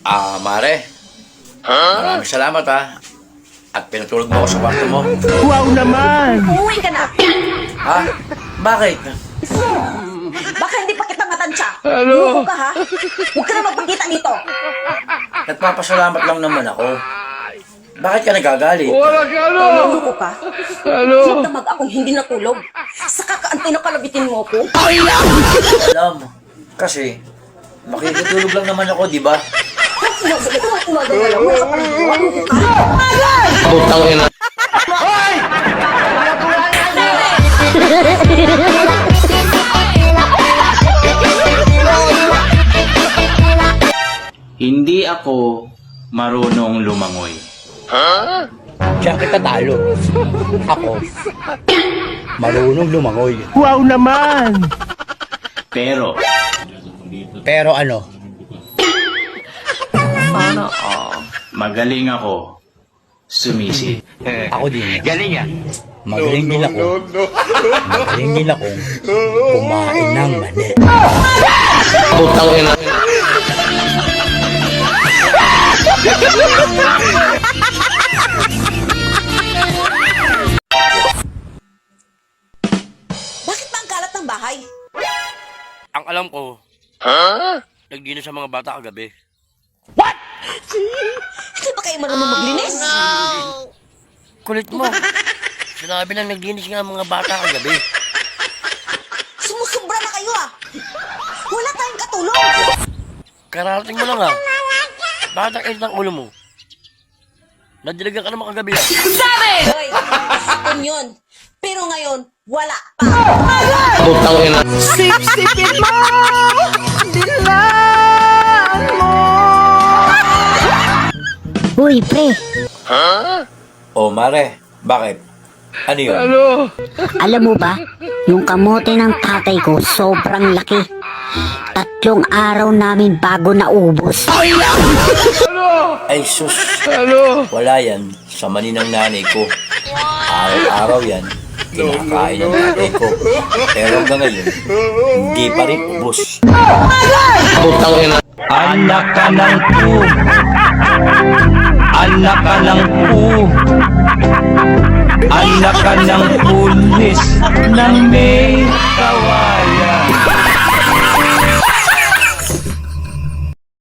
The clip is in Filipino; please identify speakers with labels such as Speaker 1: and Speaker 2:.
Speaker 1: Mare, maraming salamat at pinatulog mo ako sa kwarto mo.
Speaker 2: Wow naman!
Speaker 3: Umuwi ka na!
Speaker 1: Ha? Bakit?
Speaker 3: Baka hindi pa kita matansya. Ano? Ka ha? Huwag ka na magpakita dito.
Speaker 1: Nagpapasalamat lang naman ako. Bakit ka nagagalit?
Speaker 3: Luluko ka? Magdamag akong hindi natulog. Saka kaantay na kalabitin mo ko.
Speaker 1: Alam, kasi makikitulog lang naman ako, di ba?
Speaker 3: Umaga na lang. Wala ka palang luluko ka.
Speaker 1: Putang ina.
Speaker 4: Hindi ako marunong lumangoy.
Speaker 5: Diyan kita talo. Ako, marunong lumangoy.
Speaker 2: Wow naman!
Speaker 5: Pero ano,
Speaker 4: Magaling ako sumisid.
Speaker 5: ako din. Magaling din ako. Magaling din akong kumain ng mani.
Speaker 1: Putang ina.
Speaker 3: Bakit ba ang kalat ng bahay?
Speaker 1: Ang alam ko, nagdinos sa mga bata kagabi.
Speaker 3: Hindi ba kayo marunong maglinis?
Speaker 1: Kulit mo. Sinabi lang naglinis nga ang mga bata kagabi.
Speaker 3: Sumusubra na kayo Wala tayong katulong.
Speaker 1: Kararating mo lang Bakit ang init ng ulo mo? Nadiligan ka naman kagabi
Speaker 3: Hoy, hapon yun. Pero ngayon, wala pa.
Speaker 1: Putang ina.
Speaker 2: Sip-sipin mo! Dilaan mo!
Speaker 6: Uy, pre,
Speaker 1: Oh, Mare. Bakit? Ano yun?
Speaker 6: alam mo ba, yung kamote ng tatay ko sobrang laki. 3 araw namin bago naubos.
Speaker 1: Ay, sus. Wala yan sa mani ng nanay ko. Araw-araw yan, kinakain ng tatay ko. Pero hanggang ngayon, hindi pa rin ubos. Putang ina.
Speaker 4: Anak ka ng pu. Anak ka ng pu. Anak ka ng pulis ng may kawan.